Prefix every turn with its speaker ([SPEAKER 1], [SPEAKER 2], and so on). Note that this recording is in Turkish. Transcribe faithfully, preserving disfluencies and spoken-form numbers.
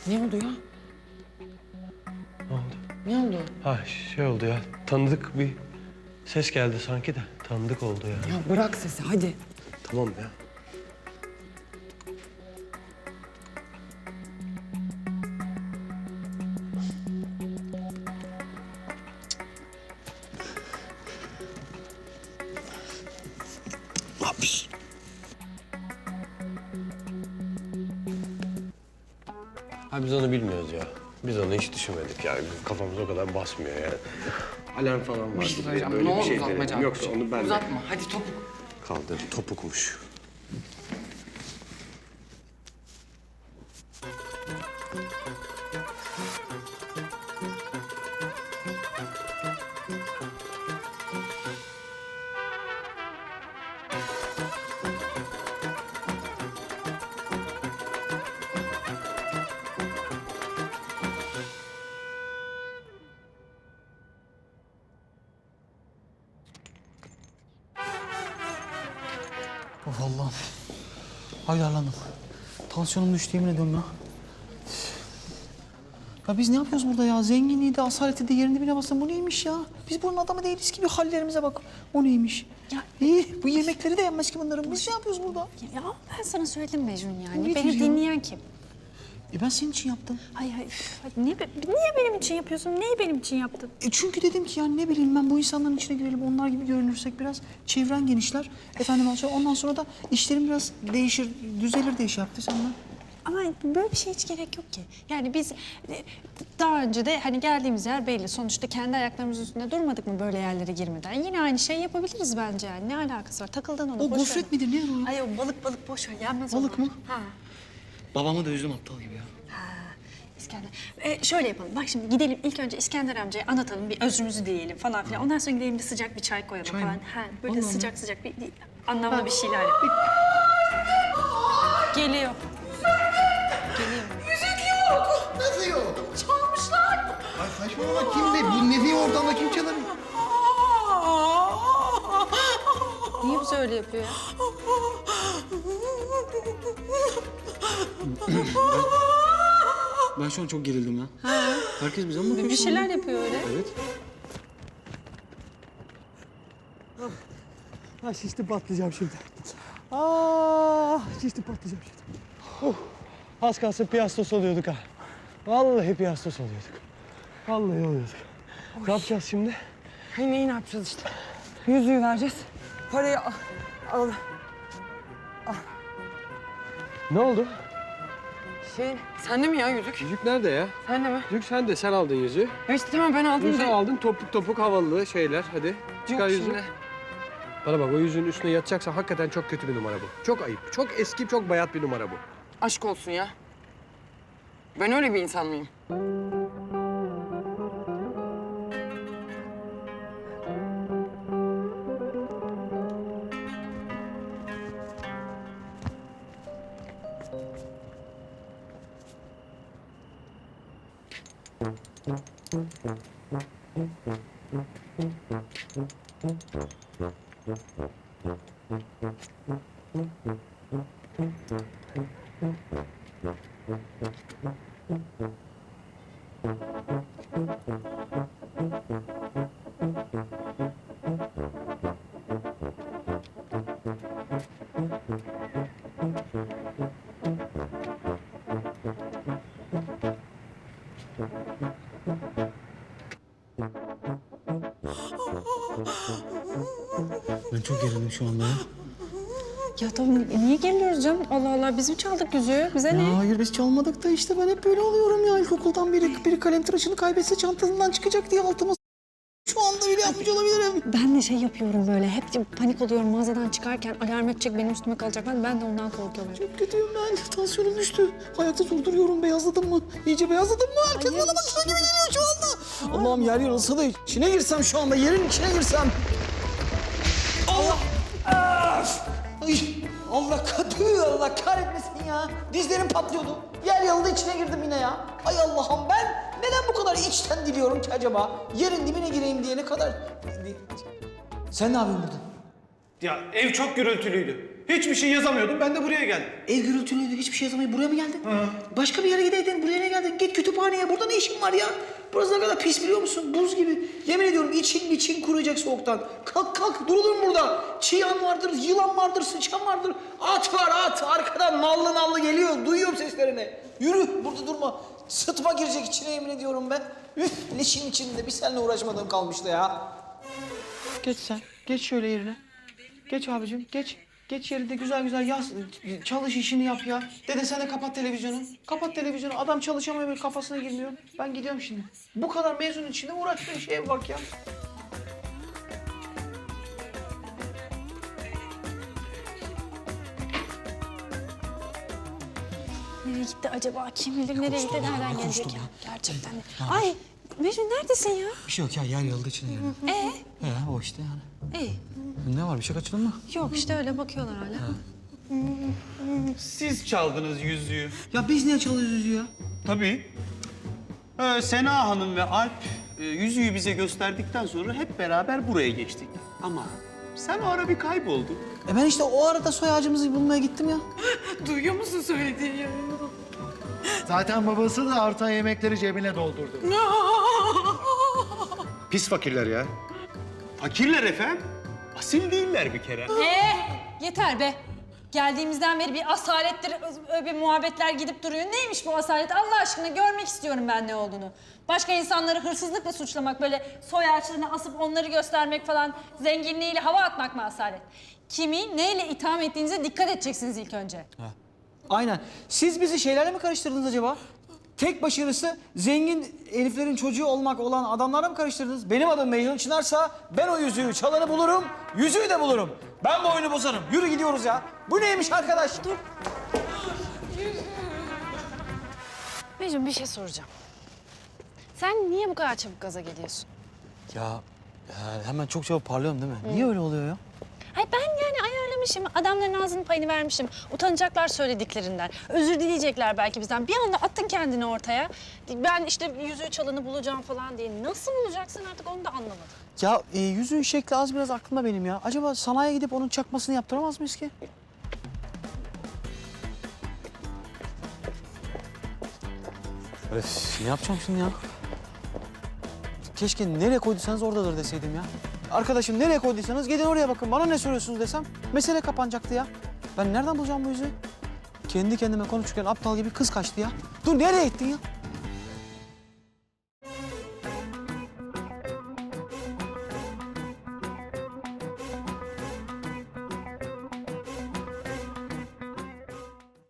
[SPEAKER 1] Ne oldu ya?
[SPEAKER 2] Ne oldu?
[SPEAKER 1] Ne oldu?
[SPEAKER 2] Ha şey oldu ya, tanıdık bir ses geldi sanki de. Tanıdık oldu ya.
[SPEAKER 1] Ya bırak sesi hadi.
[SPEAKER 2] Tamam ya. Haps. Ha biz onu bilmiyoruz ya. Biz onu hiç düşünmedik yani. Kafamız o kadar basmıyor yani. Alarm falan var.
[SPEAKER 1] Bir şey söyleyeceğim.
[SPEAKER 2] Böyle
[SPEAKER 1] Ne
[SPEAKER 2] bir
[SPEAKER 1] olur
[SPEAKER 2] şey
[SPEAKER 1] uzatma
[SPEAKER 2] denedim.
[SPEAKER 1] Can.
[SPEAKER 2] Yoksa onu ben de
[SPEAKER 1] Uzatma hadi topuk.
[SPEAKER 2] kaldır. Topukmuş.
[SPEAKER 3] Of Allah'ım. Haydarlandım. Tansiyonum düştü yemin ediyorum ya. Ya biz ne yapıyoruz burada ya? Zenginliği de, asaleti de yerinde bile basın. Bu neymiş ya? Biz bunun adamı değiliz ki. Bir hallerimize bak. O neymiş?
[SPEAKER 4] Ya-
[SPEAKER 3] İyi, bu yemekleri de yenmez ki bunların. Biz ne yapıyoruz burada?
[SPEAKER 4] Ya ben sana söyledim Mecnun yani.
[SPEAKER 3] Nedir
[SPEAKER 4] Beni
[SPEAKER 3] ya?
[SPEAKER 4] dinleyen kim?
[SPEAKER 3] E ben senin için yaptım.
[SPEAKER 4] Hay hay üf, hadi niye, be- niye benim için yapıyorsun? Neyi benim için yaptın?
[SPEAKER 3] E çünkü dedim ki yani ne bileyim ben bu insanların içine girelim. Onlar gibi görünürsek biraz çevren genişler. Efendim ondan sonra da işlerim biraz değişir, düzelir diye şey yaptı senden.
[SPEAKER 4] Ama böyle bir şey hiç gerek yok ki. Yani biz e, daha önce de hani geldiğimiz yer belli. Sonuçta kendi ayaklarımızın üstünde durmadık mı böyle yerlere girmeden? Yine aynı şeyi yapabiliriz bence yani. Ne alakası var? Takıldın ona.
[SPEAKER 3] O
[SPEAKER 4] boş
[SPEAKER 3] gofret
[SPEAKER 4] ver.
[SPEAKER 3] midir ne o?
[SPEAKER 4] Ay o balık balık boş ver. Yenmez
[SPEAKER 3] Balık
[SPEAKER 4] ona.
[SPEAKER 3] mı?
[SPEAKER 4] Ha.
[SPEAKER 3] Babamı da üzdüm aptal gibi ya.
[SPEAKER 4] Ha. İskender. Ee, şöyle yapalım. Bak şimdi gidelim ilk önce İskender amcaya anlatalım. Bir özrümüzü diyelim falan filan. Ondan sonra gidelim bir sıcak bir çay koyalım
[SPEAKER 3] Çay
[SPEAKER 4] falan.
[SPEAKER 3] mı?
[SPEAKER 4] Ha, böyle
[SPEAKER 3] Allah Allah.
[SPEAKER 4] sıcak sıcak bir, bir anlamlı bir şeyler yapalım. Geliyor. Geliyor.
[SPEAKER 5] Nasıl yok? Çalmışlar. Ay saçmalama kim be? Bu ne diyor ortamda kim çalar?
[SPEAKER 4] Niye bize öyle yapıyor ya?
[SPEAKER 3] Ben şu an çok gerildim ya. Herkes bize mi bakıyor?
[SPEAKER 4] Bir
[SPEAKER 3] şu
[SPEAKER 4] şeyler
[SPEAKER 3] anda?
[SPEAKER 4] yapıyor öyle.
[SPEAKER 3] Evet.
[SPEAKER 2] Ha şişti patlayacağım şimdi. Ah şişti patlayacağım şimdi. Oh, az kalsın piyastos oluyorduk ha. Vallahi piyastos oluyorduk. Vallahi oluyorduk. Ne yapacağız şimdi?
[SPEAKER 1] Ay neyi ne yapacağız işte? Yüzüğü vereceğiz. Parayı al. al.
[SPEAKER 2] Ne oldu?
[SPEAKER 1] Şey, sende mi ya yüzük?
[SPEAKER 2] Yüzük nerede ya?
[SPEAKER 1] Sende mi?
[SPEAKER 2] Yüzük sende. Sen aldın yüzüğü.
[SPEAKER 1] Ya işte tamam ben aldım
[SPEAKER 2] Sen
[SPEAKER 1] da.
[SPEAKER 2] aldın topuk topuk havalı şeyler. Hadi çıkar
[SPEAKER 1] Yok
[SPEAKER 2] yüzüğü.
[SPEAKER 1] şimdi.
[SPEAKER 2] Bana bak o yüzüğün üstüne yatacaksan hakikaten çok kötü bir numara bu. Çok ayıp. Çok eski, çok bayat bir numara bu.
[SPEAKER 1] Aşk olsun ya. Ben öyle bir insan mıyım?
[SPEAKER 3] Ben çok gerildim şu anda ya.
[SPEAKER 4] Ya tamam niye geliyoruz canım? Allah Allah biz mi çaldık yüzüğü? Bize
[SPEAKER 3] Ya
[SPEAKER 4] ne?
[SPEAKER 3] hayır biz çalmadık da işte ben hep böyle oluyorum ya. İlkokuldan biri, biri kalem tıraşını kaybetse çantasından çıkacak diye altıma s- şu anda bile yapmış olabilirim.
[SPEAKER 4] Ben de şey yapıyorum böyle. Hep panik oluyorum mağazadan çıkarken alarm edecek benim üstüme kalacak. Ben, ben de ondan korkuyorum.
[SPEAKER 3] Çok kötüyüm ben. Tansiyonum düştü. Hayatı durduruyorum. Beyazladım mı? İyice beyazladım mı? Herkes
[SPEAKER 4] Hayır,
[SPEAKER 3] bana bakıyor gibi geliyor şu anda. Allah'ım yer yarılsa da içine girsem şu anda. Yerin içine girsem. Allah! Ay, Allah katı, Allah kahretmesin ya. Dizlerim patlıyordu. Yer yarıldı içine girdim yine ya. Ay Allah'ım ben neden bu kadar içten diliyorum ki acaba? Yerin dibine gireyim diye ne kadar... Sen ne yapıyorsun burada?
[SPEAKER 2] Ya ev çok gürültülüydü.
[SPEAKER 6] Hiçbir şey yazamıyordum. Ben de buraya geldim.
[SPEAKER 3] Ev gürültülüydü, hiçbir şey yazamayıp buraya mı geldin? Başka bir yere gideydin, buraya ne geldin? Git kütüphaneye, burada ne işin var ya? Burası ne kadar pis biliyor musun? Buz gibi. Yemin ediyorum için için kuruyacak soğuktan. Kalk kalk, durulur mu burada? Çiyan vardır, yılan vardır, sıçan vardır. At var at, arkadan nallı nallı geliyor. Duyuyorum seslerini. Yürü, burada durma. Sıtma girecek içine yemin ediyorum ben. Üf, leşin içinde bir seninle uğraşmadığım kalmıştı ya. Geç sen, geç şöyle yerine. Geç abicim, geç. Geç yerinde güzel güzel yaz, çalış işini yap ya. Dede sen de kapat televizyonu. Kapat televizyonu. Adam çalışamıyor, böyle kafasına girmiyor. Ben gidiyorum şimdi. Bu kadar mezunun içinde uğraştığın şeye bak ya.
[SPEAKER 4] Nereye gitti acaba? Kim bilir nereye gitti, nereden gelecek ya? Gerçekten de. Ay Mecnun neredesin ya?
[SPEAKER 3] Bir şey yok ya, yer yıldı içine girdi.
[SPEAKER 4] Ee?
[SPEAKER 3] He, o işte yani.
[SPEAKER 4] İyi.
[SPEAKER 3] Ne var, bir şey kaçırdın mı?
[SPEAKER 4] Yok işte öyle bakıyorlar hala.
[SPEAKER 6] Siz çaldınız yüzüğü.
[SPEAKER 3] Ya biz niye çalıyoruz ya?
[SPEAKER 6] Tabii. Ee, Sena Hanım ve Alp e, yüzüğü bize gösterdikten sonra hep beraber buraya geçtik. Ama sen o ara bir kayboldun.
[SPEAKER 3] E ben işte o arada soy ağacımızı bulmaya gittim ya.
[SPEAKER 1] Duyuyor musun söylediğini ya?
[SPEAKER 5] Zaten babası da artan yemekleri cebine doldurdu. Pis fakirler ya.
[SPEAKER 6] Fakirler efendim. Asil değiller bir kere.
[SPEAKER 4] Ee, yeter be. Geldiğimizden beri bir asalettir, öyle bir muhabbetler gidip duruyor. Neymiş bu asalet? Allah aşkına görmek istiyorum ben ne olduğunu. Başka insanları hırsızlıkla suçlamak, böyle soy ağaçlarına asıp onları göstermek falan, zenginliğiyle hava atmak mı asalet? Kimi neyle itham ettiğinize dikkat edeceksiniz ilk önce.
[SPEAKER 3] Aynen. Siz bizi şeylerle mi karıştırdınız acaba? Tek başarısı zengin heriflerin çocuğu olmak olan adamlarla mı karıştırdınız? Benim adım Mecnun Çınarsa ben o yüzüğü çalanı bulurum, yüzüğü de bulurum. Ben bu oyunu bozarım. Yürü gidiyoruz ya. Bu neymiş arkadaş? Dur.
[SPEAKER 4] Mecnun bir şey soracağım. Sen niye bu kadar çabuk gaza geliyorsun?
[SPEAKER 3] Ya, ya hemen çok çabuk parlıyorum değil mi? Niye öyle oluyor ya?
[SPEAKER 4] Ay ben yani ayarlamışım, adamların ağzının payını vermişim. Utanacaklar söylediklerinden. Özür dileyecekler belki bizden. Bir anda attın kendini ortaya. Ben işte yüzüğü çalanı bulacağım falan diye. Nasıl bulacaksın artık onu da anlamadım.
[SPEAKER 3] Ya e, yüzüğün şekli az biraz aklımda benim ya. Acaba sanayiye gidip onun çakmasını yaptıramaz mıyız ki? Öf, ne yapacağım şimdi ya? Keşke nereye koyduysanız oradadır deseydim ya. Arkadaşım nereye koyduysanız gidin oraya bakın. Bana ne soruyorsunuz desem mesele kapanacaktı ya. Ben nereden bulacağım bu yüzüğü? Kendi kendime konuşurken aptal gibi kız kaçtı ya. Dur nereye gittin ya?